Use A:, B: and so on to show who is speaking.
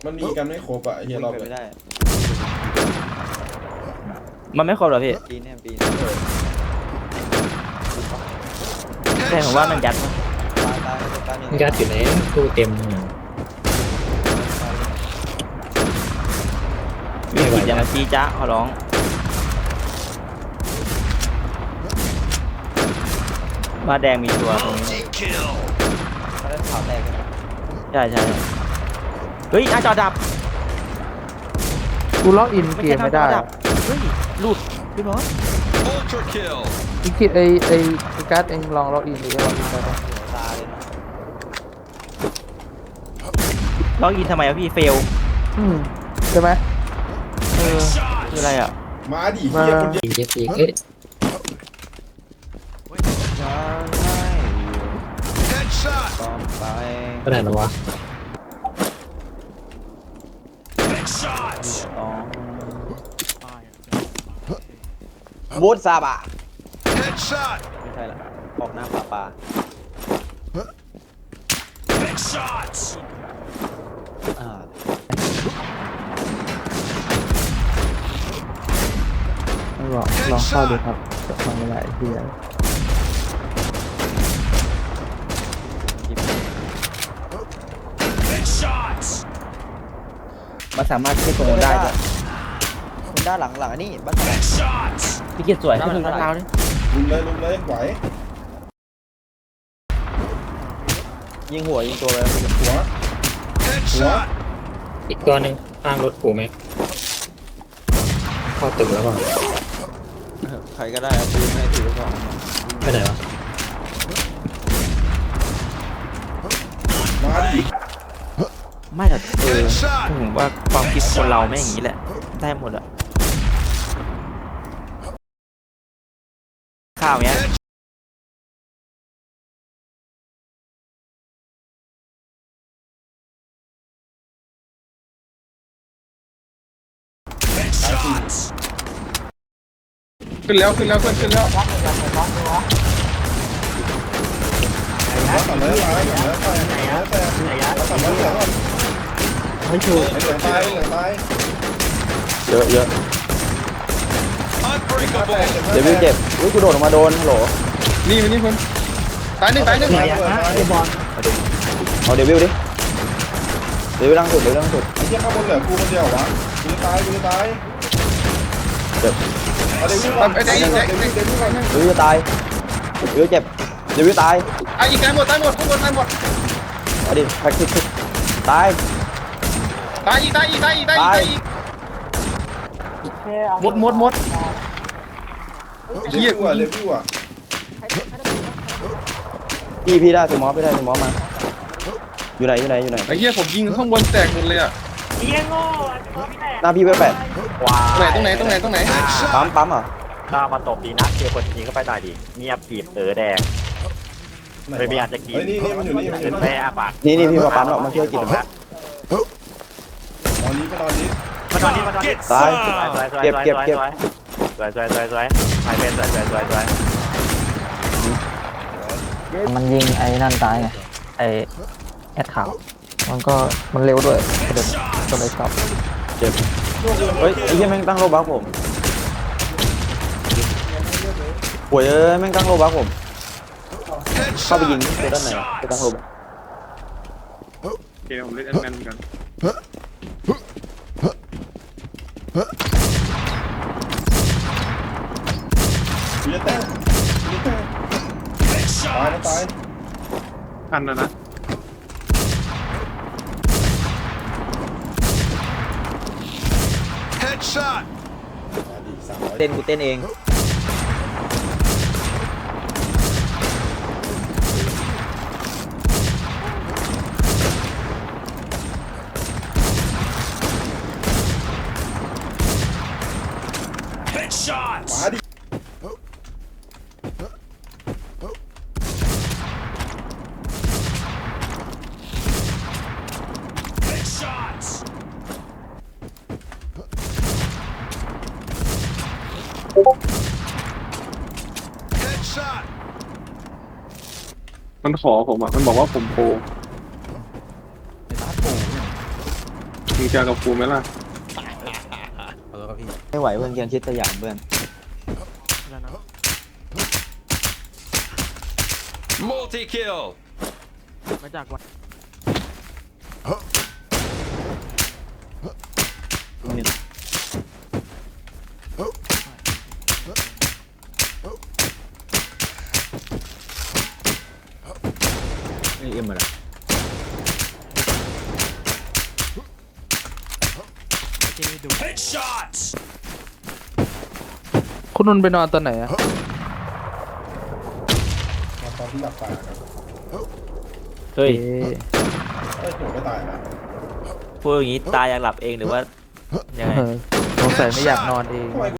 A: มันมีกันไม่ครบอ่ะเฮียรอบเลย
B: ไม่ได้
C: มันไม่ครบหรอพี่
B: ปีนเนี่ยปีน
C: แต่ผมว่ามันยัดมั้ง
B: ตาย
D: ยัดอยู่ไหนตู้เต็ม
C: มีกิจอย่างชี้จ้าขอร้องมาแดงมีตัวตรงนี้
B: เขาได้ข่าวแตกกัน
C: ใช่เฮ้ยหน้าจอดับ
E: กูล็อกอินเกมไม่ได้
C: เฮ้ยหลุดพี่บอส
E: อีกทีไอการ์ดเองลองล็อกอินหรือล็อกอินได้ปะ
B: ตาเลยเนาะ
C: ล็อกอินทำไมอะพี่เฟล
E: ใช่ไหม
C: คืออะไรอ่ะ
A: มาดิเฮียคนเดียว
D: ยิงเจ็ดอีกเอ้ย
B: จะให้ต้องไป
D: ก็ได้หรอวะ
B: ต้องบูทซาบะไม่ใช่ละออกหน้าปลาอ่า
E: ไม่บอกลองเข้าดูครับจะทำอะไรเฮีย
C: มันสามารถขึ้นตรงนู้นได้ด้วย
B: คุณด้านหลังอันนี้บ้านไหน
C: พี่เกียรติสวยขึ้นตรงเท้าดิ
A: ลุมเลยไหว
B: ยิงหัวยิงตัวเลย
A: หัว
D: อีกตัวหนึ่งข้างรถกูไหมเข้าตึกแล้วป่ะ
B: ใครก็ได้เอาปืนให้ถือก่อน
D: ไปไหนวะ
A: มาดิ
C: ไม่แต่ผมว่าความคิดคนเราไม่อย่างนี้แหละได้หมดอะข้าวเนี้ย
E: ขึ้นแล้วขึ้นแล้วขึ้นแล้ว
A: ต่อเลยต่อเลย
E: ไม่ถูก
A: เหลือตายเหลือตาย
C: เยอะเดี๋ยววิวเจ็บวิวกูโดดออกมาโดนฮัลโหล
E: นี่คนตายหนึ่ง
A: ตายตาย
C: เอาเดี๋ยววิวดิเดี๋ยววิวล่างสุดเดี๋ยวล่างสุด
A: ไอ้เหี้ยข้างบนเหลือกูคนเดียววะกูตาย
C: เจ็บ
A: เอาเดี๋ยววิ่งก่อนเดี๋ยววิ่งก่อน
C: เดี๋ยววิวตายเดี๋ยววิวเจ็บเดี๋ยววิวตาย
E: อีกตายหมดข้างบนตายหมด
C: เอาดิแพ็กทิกตาย
E: ตายอีก
C: ตาย
E: หมด
A: เรียกว่าเรียกว่า
C: พี่ได้สมอพี่ได้สมอมาอยู่ไหน
E: ไอ้เหี้ยผมยิงข้างบนแตกหมดเลยอ่ะ
C: หน้าพี่เบอร์แปด
E: ตรงไหน
C: ปั๊มเหรอ
F: ถ้ามาตบดีนะเจอคนยิงก็ไปตายดีเงียบกีบแดงไม่มีอาจจะกีบ
A: นี่มันอยู่นี่มันอ
F: เป็
A: ยู่
F: น
A: นี่
F: แม่อาปาก
C: นี่พี่มาปั๊มหรอกมาช่วยกินนะ
A: ตอนนี้
F: มาตอนนี้
C: ตาย
F: เก็บสวยหายเป็นสวย
E: มันยิงไอ้นั่นตายไงไอ้แอดขาวมันเร็วด้วยก็เลยกลับ
C: เจ็บเฮ้ยไอ้เหี้ยแม่งตั้งโลบักผมป่วยแม่งตั้งโลบักผมเข้าไปยิงตัวด้านไหนไปตั้งโลบัก
E: เกมผมเล่นแอนแมนกัน
A: กูจะแตกตาย
E: ทันแล้วนะ
B: เต้นกูเต้นเอง
A: มาดิ
E: มันขอผมอ่ะมันบอกว่าผมโปร
B: ไอ้บ้าโป่ง
G: มึงเจอกับกูไหมล่ะ
C: ไม่ไหวเพื่อนเกียนชิดสยามเพื่อน
H: Multi kill.
B: มาจากวัน
C: นี่เอ็มอะไร
H: Headshots.
E: คุณนุ่นไปนอนตอนไหนอะ
A: มาตอนที่อยากตายครับ
B: เฮ้ย
A: เอ้ยผมไม่ตายนะ
B: พูดอย่างนี้ตายอยากหลับเองหรือว่ายังไง
E: สงสัยไม่อยากนอนเอง
A: ทำไม